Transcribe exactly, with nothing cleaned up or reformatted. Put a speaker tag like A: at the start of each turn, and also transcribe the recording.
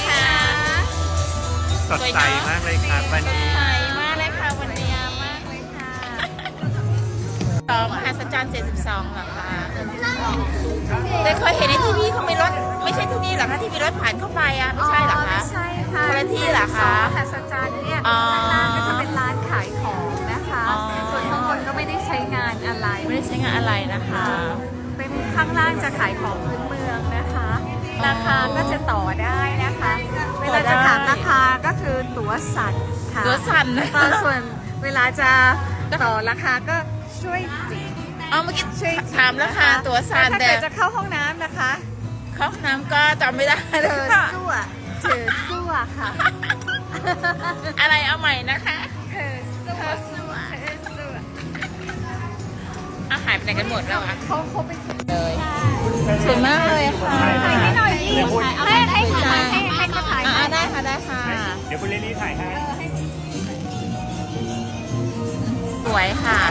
A: คะ
B: สดใสมากเลยครับวันนี้
A: ใสมากเลยค่ะวันนี้มากเลยค่ะสองมหัศจรรย์เจ็ดสิบสองเหรอคะแต่เคยเห็นในทีวีเขามีรถไม่ใช่ที่นี่เหรอคะที่มีรถผ่านเข้าไปอ่ะไม่ใช่เหรอคะ
C: ไม่ใช่ค่ะ
A: คนละที่เหรอคะ
C: มหัศจรรย์เนี่ย
A: อ๋อ
C: ข้างล่างก็จะเป็นร้านขายของนะคะ
A: อ๋อ
C: ส่วนข้างบนก็ไม่ได้ใช้งานอะไร
A: ไม่ได้ใช้งานอะไรนะคะ
C: เป็นข้างล่างจะขายของพื้นเมืองนะคะ ราคาก็จะต่อได้นะคะ เวลาจะถามราคาก็คือตั๋วสั่นค่ะ
A: ตัวสั่นนะ
C: ตอนส่วนเวลาจะต่อราคาก็ช่วยจิก
A: เอาเมื่อกี้
C: ช่วยจิก
A: ถามราคาตัวสั่น
C: ถ้า
A: แต่
C: เกิดจะเข้าห้องน้ำนะคะ
A: เข้าห้องน้ำก็จำไม่ได้
C: เธ
A: เลย
C: อ
A: ค่ะ
C: สู้อะเธอสู้อะค่ะ
A: อะไรเอาใหม่นะคะ
C: เธอสู้อะเธอสู้อะ
A: เอาหายไปไหนกันหมดแล้วอะ
C: เขาเขาเป็น
A: เลยสวยมากเลยค่ะ
C: ถ่ายให้หน่อยดิ
B: เดี๋ยวพูด
C: ให้ให้ถ่ายให้ให้เขาถ่าย
A: อ่า
C: ให้
A: ได้ค่ะได้ค่ะ
B: เดี๋ยวคุณลิลลี่ถ่ายให้
A: สวยค่ะ